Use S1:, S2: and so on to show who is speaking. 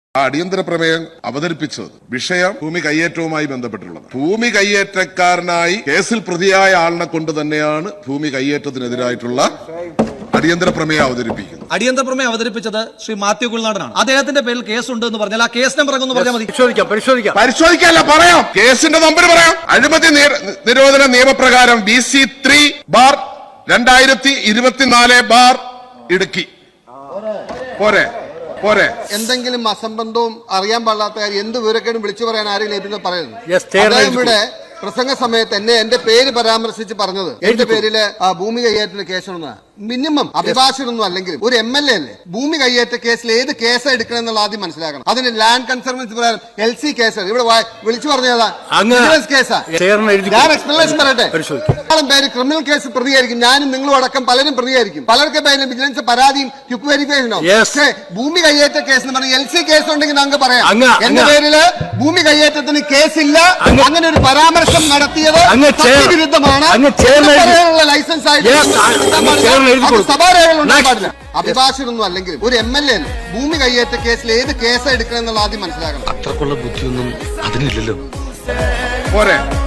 S1: അടിയന്തര പ്രമേയം അവതരിപ്പിച്ചത് വിഷയം ഭൂമി കയ്യേറ്റവുമായി ബന്ധപ്പെട്ടുള്ളത്. ഭൂമി കയ്യേറ്റക്കാരനായി കേസിൽ പ്രതിയായ ആളിനെ കൊണ്ട് തന്നെയാണ് ഭൂമി കയ്യേറ്റത്തിനെതിരായിട്ടുള്ള അടിയന്തര പ്രമേയം അവതരിപ്പിക്കുന്നത്.
S2: അടിയന്തര പ്രമേയം അവതരിപ്പിച്ചത് ശ്രീ മാത്യു കുൽനാടനാണ്. അദ്ദേഹത്തിന്റെ പേരിൽ കേസുണ്ട് എന്ന് പറഞ്ഞാൽ ആ കേസ് നമ്പർ എന്ന് പറഞ്ഞാൽ മതി.
S1: പരിശോധിക്കാല്ല, പറയാം. കേസിന്റെ നമ്പർ പറയാം. അഴിമതി നിരോധന നിയമപ്രകാരം BC3/2024 ഇടുക്കി. പോരെ പോരെ.
S3: എന്തെങ്കിലും അസംബന്ധവും അറിയാൻ പാടില്ലാത്ത കാര്യം എന്ത് വിവരക്കേടും വിളിച്ചു പറയാൻ ആരെങ്കിലും ലഭിക്കുന്നത് പറയുന്നത്. ഇവിടെ പ്രസംഗ സമയത്ത് എന്റെ പേര് പരാമർശിച്ച് പറഞ്ഞത് എന്റെ പേരില് ഭൂമി കയ്യേറ്റ കേസാണെന്ന്. മിനിമം അഭിഭാഷകനൊന്നും അല്ലെങ്കിലും ഒരു MLA അല്ലേ. ഭൂമി കയ്യേറ്റ കേസിൽ ഏത് കേസ് എടുക്കണം എന്നുള്ള ആദ്യം മനസ്സിലാക്കണം. അതിന് ലാൻഡ് കൺസർവൻസി പ്രകാരം LC കേസ് ഇവിടെ വിളിച്ചു പറഞ്ഞതാ കേസാ. ഞാൻ എക്സ്പ്ലനേഷൻ പറയട്ടെ. പേര് ക്രിമിനൽ കേസ് പ്രതിയായിരിക്കും. ഞാനും നിങ്ങളും അടക്കം പലരും പ്രതിയായിരിക്കും. പലർക്കും പേരിലും വിജിലൻസ് പരാതിയും ക്വിക്ക് വെരിഫിക്കേഷനോ. പക്ഷേ ഭൂമി കയ്യേറ്റ കേസ് എന്ന് പറഞ്ഞാൽ LC കേസ് ഉണ്ടെങ്കിൽ നമുക്ക് പറയാം. എന്റെ പേരില് ഭൂമി കയ്യേറ്റത്തിന് കേസില്ല. അങ്ങനെ ഒരു പരാമർശം നടത്തിയത് വിരുദ്ധമാണ്. ലൈസൻസ് ആയിട്ട് സഭാരേഖകൾ ഉണ്ടാകാൻ പാടില്ല. അഭിഭാഷകനൊന്നും അല്ലെങ്കിലും ഒരു MLA ഭൂമി കയ്യേറ്റ കേസിൽ ഏത് കേസ് എടുക്കണം എന്നുള്ള ആദ്യം മനസ്സിലാക്കണം.
S4: അത്രക്കുള്ള ബുദ്ധിയൊന്നും അതിനില്ലല്ലോ.
S1: പോരെ.